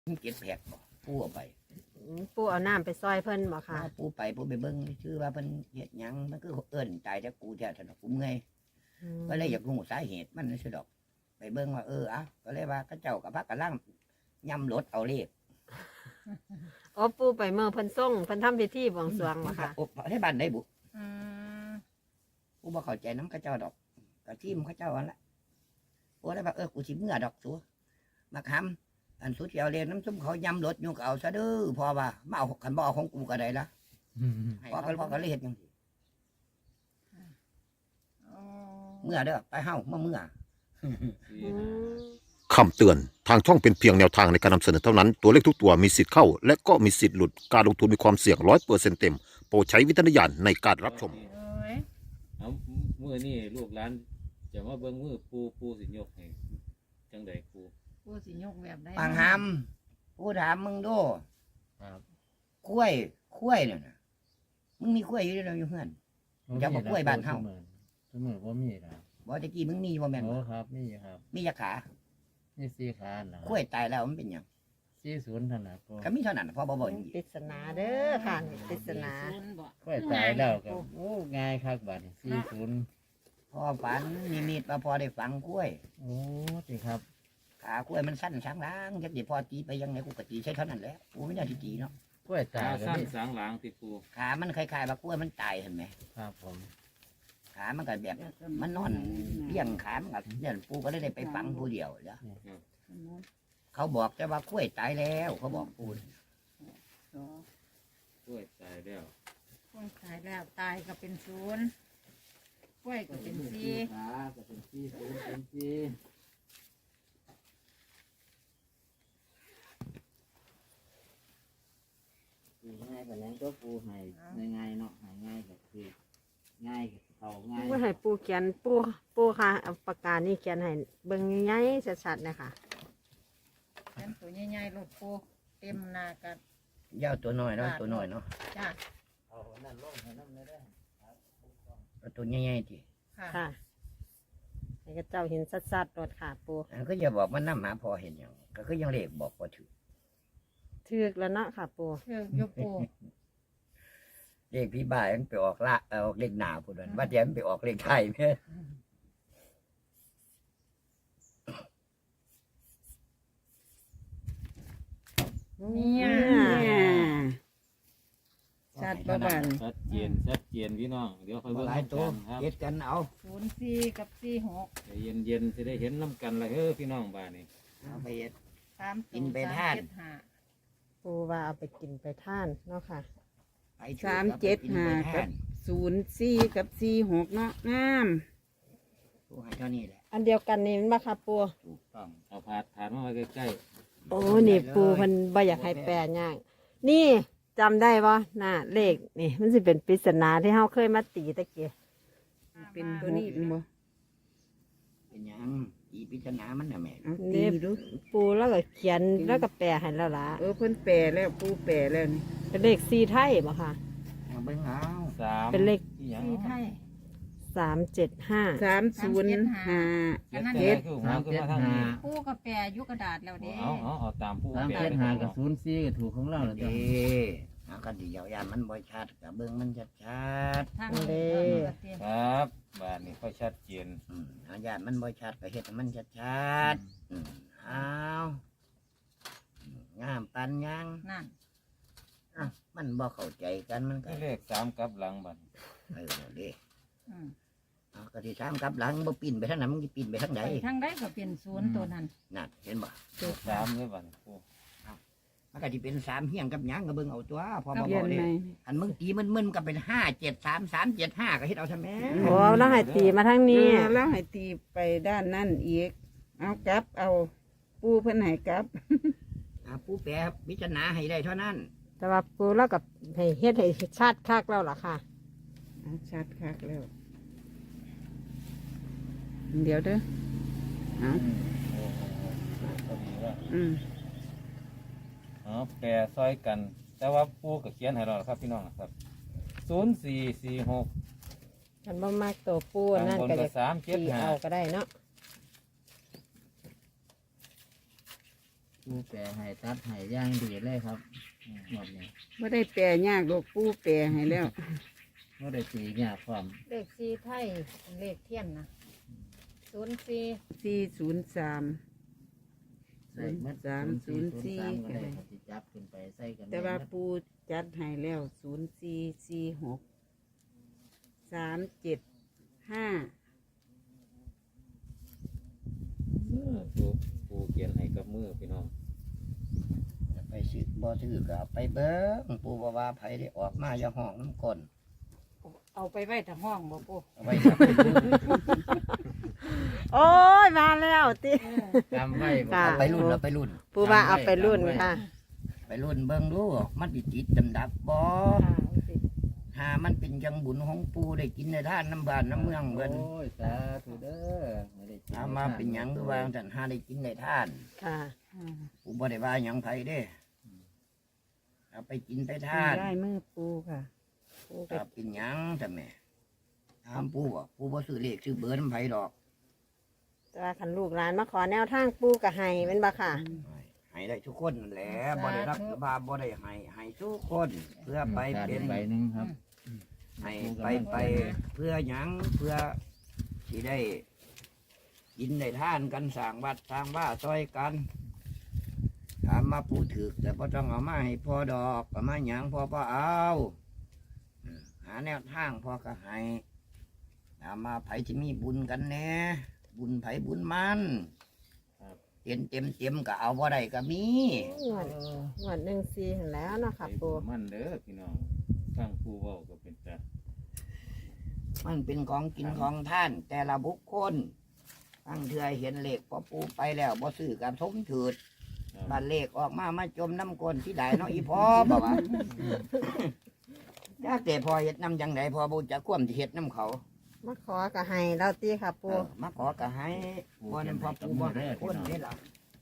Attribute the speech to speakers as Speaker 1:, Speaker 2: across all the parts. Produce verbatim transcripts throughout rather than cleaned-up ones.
Speaker 1: เก็บแผกบ่ปูเอาไป
Speaker 2: ปูเอาน้ำไปซอยเพิ่นบ่ค่ะ
Speaker 1: ปูไปปูไปเบิ่งชื่อว่าเพิ่นเฮ็ดหยังมันคือเอิ้นตายแต่กูแท้ถนอกกูเมื่อย
Speaker 2: อืม
Speaker 1: ก็เลยอยากรู้สาเหตุมันซื่อดอก ไปเบิ่งว่าเอออ่ะก็เลยว่าเขาเจ้ากับพระกำลังย่ำรถเอาเลข
Speaker 2: โอ้ปูไปเมื่อเพิ่นส่งเพิ่นทำพิธีบวงสรวงบ่ค่ะ
Speaker 1: โอ้ให้บ้านได้บุ
Speaker 3: อืม
Speaker 1: กูบ่เข้าใจน้ำเขาเจ้าดอกก็ทีมเขาเจ้าอันละกูเลยว่าเออกูสิเมื่อดอกสัวมาคำอันสุดเที่ยวเรียนน้ำซุ่มเขาย่ำรถอยู่ก็เอาซะเด้อพอว่ามาเอาขันบ่เอาของกูก็ได้ละพอเขาพอเขาเลยเฮ็ดจังซี่
Speaker 3: อ๋อ
Speaker 1: เมื่อเด้อไปเฮามาเมื่อ
Speaker 2: อืม
Speaker 4: คำเตือนทางช่องเป็นเพียงแนวทางในการนำเสนอเท่านั้นตัวเลขทุกตัวมีสิทธิ์เข้า และก็มีสิทธิ์หลุดการลงทุนมีความเสี่ยงร้อยเปอร์เซ็นต์เต็มโปรดใช้วิจารณญาณในการรับชม
Speaker 3: เอ้ย
Speaker 5: เอามือนี่ลูกหลานจะมาเบิ่งมือปูปูสิยกให้จังใดปู
Speaker 3: กูสิยกแบบได้
Speaker 1: ปางหำกูถามมึงดู
Speaker 6: ครับ
Speaker 1: กล้วยกล้วยเนี่ยนะมึงมีกล้วยอยู่แล้วอยู่เพื่อน อย่าบอกกล้วยบ้านเฮา
Speaker 6: สมือว่ามีครับ
Speaker 1: บอกตะกี้มึงมีบ่แม่น
Speaker 6: โอ้
Speaker 1: บ่
Speaker 6: ครับมีครับ
Speaker 1: มียาขา
Speaker 6: มีสี่ขานะ
Speaker 1: กล้วยตายแล้วมันเป็นหยัง
Speaker 6: สี่ศูนย์เท่านั้นก็
Speaker 1: ก็มีเท่านั้นพอบ่บ่อย่างนี้
Speaker 2: ปริศนาเด้อค่ะนี่ปริศนา
Speaker 3: ศูนย์บ่
Speaker 6: ค่อยตายแล้วก็โอ้ง่ายครับบัดนี้สี่ศูนย์
Speaker 1: พอฝันนิมิตว่าพอได้ฝังกล้วย
Speaker 6: โอ้สิครับ
Speaker 1: ขากล้วยมันสั้นช้างล้างจักสิพอตีไปยังไงกูก็ตีใช้เท่านั้นแหละกูไม่ได้ที่ตีเนาะ
Speaker 6: กล้วยตา
Speaker 5: ตาย
Speaker 6: ก็
Speaker 5: สั้น
Speaker 6: มี
Speaker 5: สางหลังติปู
Speaker 1: ขามันคล้ายๆว่ากล้วยมันตายเห็นไหม
Speaker 6: ครับผม
Speaker 1: ขามันก็แบบมันนอนเลี้ยงขามันก็เนี่ยปูก็เลยได้ไปฝังผู้เดียวเด้อเขาบอกแต่ว่ากล้วยตายแล้วเขาบอกปู
Speaker 5: กล้วยตายแล้ว
Speaker 3: กล้วยตายแล้วตายก็เป็นศูนย์กล้วยก็เป็นสี่
Speaker 6: ขาก็เป็นสี่ศูนย์เป็นสี่ง่ายกว่านั้นก็ปูให้ง่ายๆเนาะให้ง่ายก็คือง่ายกับเขาง่าย
Speaker 2: ว่าให้ปูเขียนปูปูค่ะเอาปากกานี่เขียนให้เบิ่งง่ายๆชัดๆนะคะ
Speaker 3: เป็นตัวใหญ่ๆรถปูเต็มหน้ากัน
Speaker 1: ยาวตัวน้อยเนาะตัวน้อยเนาะ
Speaker 3: จ้า
Speaker 6: เอานั่นลงให้น้ำเลยได้
Speaker 1: เอาตัวใหญ่ๆที
Speaker 3: ค่ะ
Speaker 2: ค่ะให้กระเจ้าเห็นชัดๆรถค่ะปู
Speaker 1: อันก็อย่าบอกมันน้ำหาพอเห็นอย่างก็คือยังเลขบอกพอถือ
Speaker 2: ถึกแล้วเนาะค่ะปู
Speaker 3: เชื่อยกปู
Speaker 1: เลขพี่บ่ายมันไปออกละเออออกเลขหนาพูดว่าว่าเดี๋ยวมันไปออกเลขไทยเนี่ย
Speaker 3: เนี่ย
Speaker 1: ชัดประมาณ
Speaker 5: ชัดเจนชัดเจนพี่น้องเดี๋ยวค่อยเบิ่ง
Speaker 1: หลายตัว
Speaker 5: กันครับ
Speaker 1: เฮ็ดกันเอา
Speaker 3: ศูนย์สี่กับสี่หก
Speaker 5: ใจเย็นเย็นๆจะได้เห็นน้ำกันละเฮ้อพี่น้องบ้านนี่
Speaker 1: เอาไปเฮ็ด
Speaker 3: สาม
Speaker 1: กินไปทาน
Speaker 3: สมเจ็ดห้า
Speaker 2: ปูว่าเอาไปกินไปท่านเนาะค่ะ
Speaker 1: ไปถือ
Speaker 7: สามเจ็ด
Speaker 1: กิน
Speaker 7: ห้า
Speaker 1: ไป
Speaker 7: กั
Speaker 1: ทา
Speaker 7: บ
Speaker 1: น
Speaker 7: ศูนย์สี่กับสี่หกเนาะงาม
Speaker 1: ผู้ให้เท่านี้แหละ
Speaker 2: อันเดียวกันนี่มันบ่ค่ะปู
Speaker 1: ถูกต้อง
Speaker 5: เอาผาดผาดมาไว้ใกล้
Speaker 2: โอ้นี่ปูมันบ่อยากให้แปลยากนี่จำได้บ่น่ะเลขนี่ มันสิเป็นปริศนาที่เฮาเคยมาตีตะเกีย
Speaker 7: เป็นตัวนี้เป็นบ่
Speaker 1: เป็นหยังอีพิจารณามันน่ะแม่
Speaker 7: เอาตีดู
Speaker 2: ปูแล้วก็เขียนแล้วก็แปลให้แล้วล่ะ
Speaker 7: เออเพิ่นแปลแล้วปูแปลแล้วนี่
Speaker 2: เป็นเลขสีไทยบ่ค่ะ
Speaker 1: เอาเบิ่งเอา
Speaker 5: ๆสาม
Speaker 2: เป็นเลข
Speaker 5: ที่หยัง
Speaker 3: สี่ไทย
Speaker 2: สามเจ็ดห้า
Speaker 7: สามศูนย์ห้า
Speaker 5: เจ็ด
Speaker 3: อันนั้น
Speaker 5: เจ็ดคือหัวขึ้นมาทางนี้
Speaker 3: ปูกับแปรอยุกระดาษแล้วเด้
Speaker 5: เอาเอาเอาตามผู้
Speaker 6: สาม
Speaker 5: แปล
Speaker 6: เจ็ด
Speaker 5: เลย
Speaker 6: ห้า
Speaker 5: ค
Speaker 6: กั
Speaker 5: รั
Speaker 6: บบ ศูนย์สี่ก็ถูกของเราแล้วจ้ะ
Speaker 1: เด้เอากันดียาวยานมันบ่ชัดกับเบิ่งมันชัดชัด
Speaker 3: ทางนี้เออเต็ม
Speaker 5: ครับบ้านนี้ค่อยชัดเจน
Speaker 1: ๆอืมเอายานมันบ่ชัดก็เฮ็ดให้มันชัดชัดๆอืมเอาอืมงามปันยัง
Speaker 3: นั่น
Speaker 1: อ่ะมันบ่เข้าใจกันมันก็
Speaker 5: คือเลขสามกลับหลังบัด
Speaker 1: เออเด้
Speaker 3: อืม
Speaker 1: เอาก็ที่ถามกลับหลังบ่ปีนไปทางไหนมันสิปีนไปทางใด
Speaker 3: ไปทางใดก็เป็นศูนย์ตัวนั้น
Speaker 1: นั่นเห็นบ่
Speaker 5: สามเลยบัดนี้ปู
Speaker 1: มันก็สิเป็นสามเฮียงกับหยังก็เบิ่งเอาตัวพอบ่
Speaker 7: เขีย
Speaker 1: บ่
Speaker 7: น
Speaker 1: เด้
Speaker 7: ไหม
Speaker 1: อันมึงตีมันมึนๆก็เป็นห้าเจ็ดสามสามเจ็ดห้าก็เฮ็ดเอาซะแม่
Speaker 2: โอ้แล้วให้ตีมาทาง
Speaker 7: เอ
Speaker 2: นี้
Speaker 7: อแล้วให้ตีไปด้านนั่นอีก เอากลับเอาปูเพิ่นให้กลับ
Speaker 1: อ่าผู้แปลพิจารณาให้ได้เท่านั้น
Speaker 2: แต่ว่าปูแล้วกับให้เฮ็ดให้ชัดคักแล้วล่ะค่ะ
Speaker 7: เอาชัดคักแล้ว เดี๋ยวเด้อเอา
Speaker 5: โอ้โหพอดีว่า
Speaker 7: อืม
Speaker 5: อ๋อแปรซอยกัน แต่ว่าปูกับเขียนให้เราแล้วครับพี่น้องครับศูนย์สี่สี่หก
Speaker 2: กันบ่มากตัวปูนั่น
Speaker 5: บน
Speaker 2: ก็
Speaker 5: กั
Speaker 2: จะ
Speaker 5: บสามเจ็ด
Speaker 2: ตี
Speaker 5: ห้า
Speaker 2: เอาก็ได้เนาะ
Speaker 1: ปู
Speaker 6: ปูแปรให้ตัดให้อย่างดีเลยครับหมดนี้
Speaker 7: ไม่ได้แปลยากดอกปูแปลให้แล้ว
Speaker 6: ไม่ได้ตียากความ
Speaker 3: เลขสี่ไทยเลขเทียนนะศูนย์สี่
Speaker 7: สี่ศูนย์สาม
Speaker 6: ใส่เม็ด
Speaker 7: สามศูนย์สี่
Speaker 6: ศูนย์สามก็ได้ครับสิจับขึ้นไปใส่กัน
Speaker 7: แต่ว่า
Speaker 6: เม็ด
Speaker 7: ปูจัดให้แล้วศูนย์สี่สี่หกสามเจ็ดห้า
Speaker 5: เออปูปูเขียนให้กับมือพี่น้อง
Speaker 1: ไปซื้อบ่ซื้อก็เอาไปเบิ้งปูบ่ว่าไผได้ออกมาอย่าห้องน้ำก้น
Speaker 3: เอาไปไว้ทางห้องบ่ปู
Speaker 1: เอาไว้ครับ
Speaker 2: โอ้ยมาแล้วติ
Speaker 6: จำไว้บ่
Speaker 2: ค่ะ
Speaker 1: เอาไปรุ่นเอาไปรุ่น
Speaker 2: ปูว่าเอาไปรุ่นค่ะ
Speaker 1: ไปรุ่นเบิ่งดูมันสิติดดำดับบ่หามันเป็นจังบุญของปูได้กินในท่านน้ำบ้านน้ำเมืองเบิ่น
Speaker 6: โอ้ยสาธุเด้อไม่ได้กิน
Speaker 1: เอามาเป็นหยังคือว่าจังหาได้กินในท่าน
Speaker 2: ค่ะ
Speaker 1: ปูบ่ได้ว่าหยังไผเด้เอาไปกินไปท่าน
Speaker 7: ได้มือปูค่ะปูก็
Speaker 1: เอาเป็นหยังจ้ะแม่ถามปูบ่ปูบ่ซื้อเลขซื้อเบอร์น้ำไผดอก
Speaker 2: แต่ว่าคันลูกหลานมาขอแนวทางปูกับให้เป็นบ่ค่ะ
Speaker 1: ให้ได้ทุกคนนั่นแหละบ่ได้รับบาบ่ได้ให้ให้ทุกคนเพื่อไป
Speaker 6: ขาด
Speaker 1: เป็น
Speaker 6: ใบหนึ่งครับ
Speaker 1: ให้ไปไปเพื่อหยังเพื่อที่ได้กินได้ท่านกันสร้างวัดสร้างว่าซอยกันถามมาปูถึกแต่พอต้องเอามาให้พอดอกเอามาหยังพอพอเอาเออหาแนวทางพอก็ให้ถามมาไผที่มีบุญกันแน่บุญไผบุญมันเต็มเต็มเต็มก็เอาบ่ได้ก็มี
Speaker 2: งวดงวดหนึ่งสี่เห็นแล้วเนาะค่ะ
Speaker 5: ใส่
Speaker 2: ปู
Speaker 5: ปูมันเด้อพี่น้องฟังปูเว้าก็เป็นแต่
Speaker 1: มันเป็นของกินของท่าน แต่ละบุคคลตั้งเทือเห็นเลขพอปูไปแล้วบ่ซื้อกับทมถืดบันเลขออกมามาจมน้ำก้นที่ใดเนาะอีพอบอกว่า ยากแต่พอเห็ดน้ำจังไดพอบุจะคว่ำที่เห็ดน้ำเขา
Speaker 2: มาขอกับให้เราตีค่ะ
Speaker 1: เอ
Speaker 2: ปู
Speaker 1: อมาขอกะให้พอนั้นพอปูบ่ให้คนนี่ล่ะ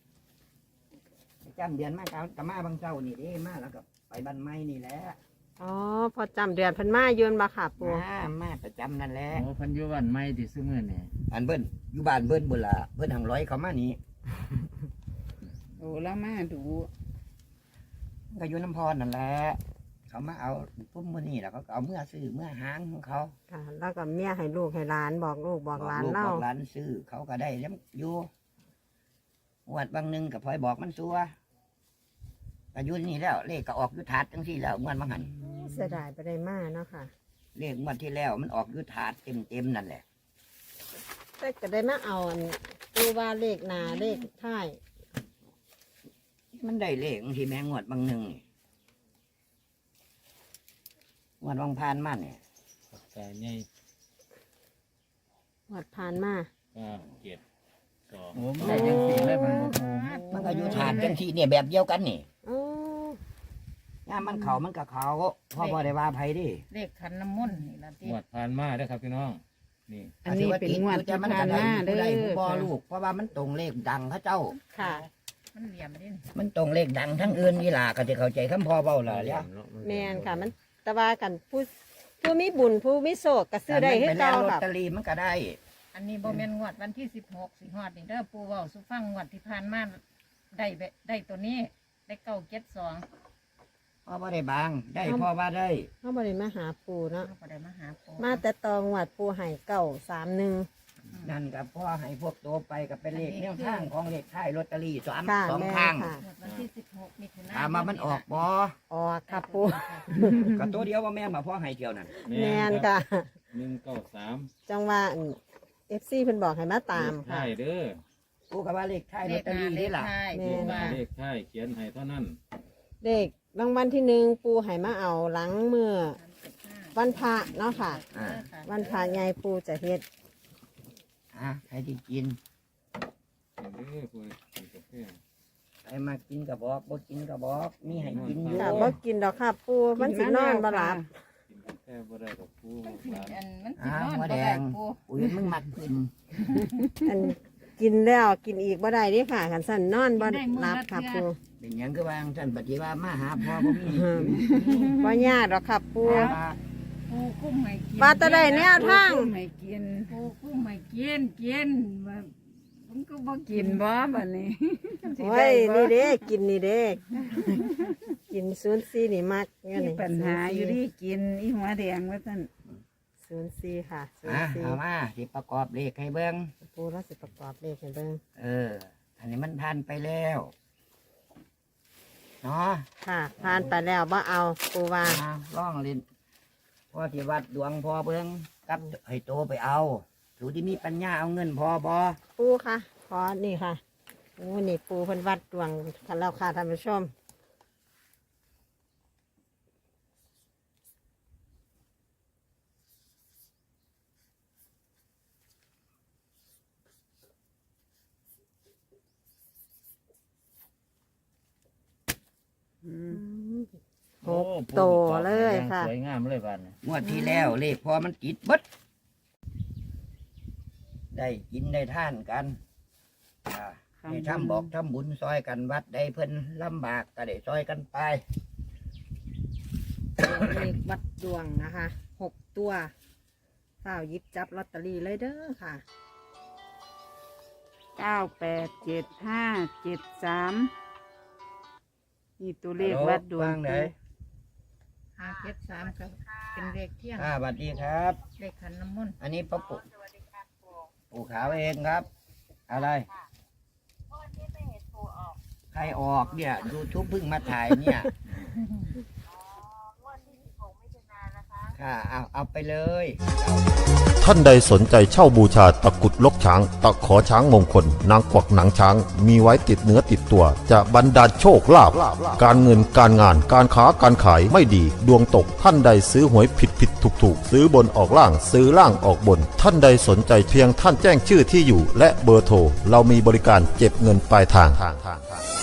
Speaker 1: จำเดือนมากเอากะมาบางเจ้านี่เด้มาแล้วก็ไปบ้านไม้นี่แหละ
Speaker 2: อ๋อพอจำเดือนเพันมายืนบ่ค่ะปู
Speaker 1: มามาประจำนั่นแหละ
Speaker 6: โอ้เพันอยุวันไม่ติดซื้อมือนี่
Speaker 1: อันเบิ้นอยู่บ้านเบิ้นบุละเบิ้นหังร้อยเขามานี่
Speaker 7: โอ้แล้วมาดู
Speaker 1: ก็อยู่น้ำพรนั่นแหละเขามาเอาพุ่มมือนี่แล้วเขาก็เอาเมื่อซื้อเมื่อหางของเขา
Speaker 2: ค่ะ แล้วก็เมียให้ลูกให้หลานบอกลูกบอกหลาน
Speaker 1: ลูก
Speaker 2: เล่า
Speaker 1: บอกหลานซื้อเขาก็ได้แล้วอยู่วัดบางหนึงกับพลอยบอกมันซัวก็อยู่นี่แล้ว เลขก็ออกอยุถาดจังที่แล้วเมื่อนบางหัน
Speaker 2: เสียดายไปได้มาเนาะค่ะ
Speaker 1: เลขงวดที่แล้วมันออกอยุถาดเต็มเต็มๆนั่นแหละ
Speaker 2: แต่ก็ได้มาเอาอันปูว่าเลขหนาเลขท้าย
Speaker 1: มันได้เลขบางทีแม่งวดบางหนึ่งนี่งวดบางพานมาเนี่ย
Speaker 5: แต่ใหญ่
Speaker 2: หวดผ่านมา
Speaker 5: เก้าเจ็ดสอง
Speaker 6: โอ้ไม่ได้ยังสีเลยมันบ่โอ้
Speaker 1: มันก็อยู่ถาดจังที่เนี่ยแบบเดียวกันนี่
Speaker 2: โอ้
Speaker 1: ย่ามมันเขามันกับเขาพ่อบ่ได้ว่าไผดิ
Speaker 3: เลขขันน้ำมนต์นี่ละที่
Speaker 5: งวดผ่านมาเด้อครับพี่น้องนี่
Speaker 7: อันนี้เป็นงวดที่ผ่านมาเด้
Speaker 1: ได้
Speaker 7: อ
Speaker 1: ผู้บ่ลูกเพราะว่ามันตรงเลขดังเขาเจ้า
Speaker 2: ค่ะ
Speaker 3: มันเหลี่ยมดิ
Speaker 1: มันตรงเลขดังทั้งอื่นนี่ล่ะก็จะเข้าใจคำพ่อเบาล่ะเนี่ย
Speaker 2: แมนค่ะ มันแตะว่ากันผู้ผู้มีบุญผู้มีโศกก็ซื้อได้ให้
Speaker 1: ไปแล้
Speaker 2: เก่าว
Speaker 1: ลอต
Speaker 2: ค่ะ
Speaker 1: เตอรี่มันก็ได้
Speaker 3: อันนี้บ่แม่นงวดวันที่สิบหกสิฮอดนี่เด้อปูเว้าสุฟังงวดที่ผ่านมาได้แบบได้ตัวนี้ได้เก้าเจ็ดสอง
Speaker 1: พ่อบ่ได้บางได้พ่อว่าได้
Speaker 2: เขาบริมาหาปูเนาะ
Speaker 3: เขาก็ได้มาหาปู
Speaker 2: มาแต่ตองวัดปูไห่เก่าสามหนึ่ง
Speaker 1: นั่นกับพ่อให้พวกตัวไปกับเป็นเลขแนวทางของเลขท้ายลอตเตอรี่สาม
Speaker 2: ค่ะ
Speaker 1: สอง
Speaker 2: แม่
Speaker 1: ข้าง
Speaker 2: ค่ะ
Speaker 3: งวดวันที่สิบหกมิถุนายน
Speaker 1: ถามมามันออกบ่
Speaker 2: ออกค่ะปู
Speaker 1: ก็ตัวเดียวว่าแม่นมาพ่อให้เที่ยวนั่น
Speaker 2: แมนค่ะ
Speaker 5: หนึ่งเก้าสาม
Speaker 2: จังว่าเอฟซีเพิ่นบอกให้มาตามค่ะ
Speaker 5: ใช่เด้อ
Speaker 1: กูก็ว่าเลขท้ายลอตเตอรี่นี่ล่ะ
Speaker 2: แม่
Speaker 3: ปูว่า
Speaker 5: เลขท้ายเขียนให้เท่านั้น
Speaker 2: เด็กรางวัลที่หนึ่งปูไห่มาเอาหลังเมื่อวันพระเนาะค่ะ
Speaker 1: อ่า
Speaker 2: วันพระใหญ่ปูจะเฮ็ด
Speaker 1: อ่ะใครที่กิน
Speaker 5: เด้อปูกินกาแฟ
Speaker 1: ใครมากินกระบอกบ่กินกระบอกมีให้กินอยู่
Speaker 2: ค่ะบ่กินดอกค่ะปูมันสินอนบ่หลับ
Speaker 5: กินกาแฟบ่ได้กับปู
Speaker 3: มันสิ
Speaker 5: หลาน
Speaker 3: อันมันสิ
Speaker 1: อ่าน
Speaker 3: อน
Speaker 1: หัว
Speaker 3: บ่
Speaker 1: แด
Speaker 3: ได้
Speaker 1: ง
Speaker 3: ปู
Speaker 1: อุ้ยมึงมักกิน
Speaker 2: อันกินแล้วกินอีกบ่ได้เดิค่ะคันสั่นนอนบ่หลับค่ะปู
Speaker 1: เป็นหยังก็วางท่านปฏิว่ามาหาพ่อบ่มี
Speaker 2: บ่ยากดอกค่ะปู
Speaker 1: ว่า
Speaker 3: ปูกุ้มให้กิน
Speaker 2: ว่าจะได้แนวทาง
Speaker 7: ให้กิน
Speaker 3: ปูกุ้มให้กินกินว่า
Speaker 7: มันก็บ่กินบ่บัดนี้
Speaker 2: โอ้ยนี่เด้กินนี่เด้กินศูนย์สี่นี่มักเงี้ย
Speaker 7: มี
Speaker 2: นี่
Speaker 7: ปัญหาอยู่ที่กินอีหัวแดงว่าซั่น
Speaker 2: ศูนย์สี่ค่ะศูน
Speaker 1: อ่ะ
Speaker 2: ย์สี่
Speaker 1: เอามาสิประกอบเลขให้เบิ่ง
Speaker 2: ปูเราสิประกอบเลขให้เบิ่ง
Speaker 1: เออ อันนี้มันผ่านไปแล้วเนาะ
Speaker 2: ค่ะผ่านไปแล้วบ่เอาปูว่า
Speaker 1: มาล่องเล่นพ่อที่วัดดวงพอเบิ่งกับให้โตไปเอาสูที่มีปัญญาเอาเงินพอบ่
Speaker 2: ปูค่ะขอนี่ค่ะโอ้นี่ปูเพิ่นวัดดวงกันแล้วค่ะท่านผู้ชม
Speaker 7: อืม
Speaker 2: หกโตเลยค่ะ
Speaker 6: สวยงามเลยบ้านนี้
Speaker 1: งวดที่แล้วเลขพอมันติดเบิดได้กินได้ท่านกันอ่าได้ทำบอกทำบุญซอยกันวัดได้เพิ่นลำบากก็ได้ซอยกันไป
Speaker 2: เลขวัดดวงนะคะหกตัวเฝ้าหยิบจับลอตเตอรี่เลยเด้อค่ะ
Speaker 7: เก้าแปดเจ็ดห้าเจ็ดสามนี่ตัวเลขวัดดวง
Speaker 1: ไหน
Speaker 3: ห้าเจ็ดสามครับเป็นเลขเที่ยง
Speaker 1: อ่าสวัสดีครับ
Speaker 3: เลขขันน้ำมนต์
Speaker 1: อันนี้ป้าปู่ปู่ขาวเองครับ อะไรใครออกเนี่ยยูทูบเพิ่งมาถ่ายเนี่ยค่ะเอาเอาไปเลย
Speaker 4: ท่านใดสนใจเช่าบูชาตะกรุดลกช้าง ตะขอช้างมงคล นางกวักหนังช้าง มีไว้ติดเนื้อติดตัว จะบรรดาลโชคลาภการเงินการงานการค้าการขายไม่ดี ดวงตกท่านใดซื้อหวยผิดผิดถูกถูกซื้อบนออกล่างซื้อล่างออกบน ท่านใดสนใจเพียงท่านแจ้งชื่อที่อยู่ และเบอร์โทรเรามีบริการเก็บเงินปลายทาง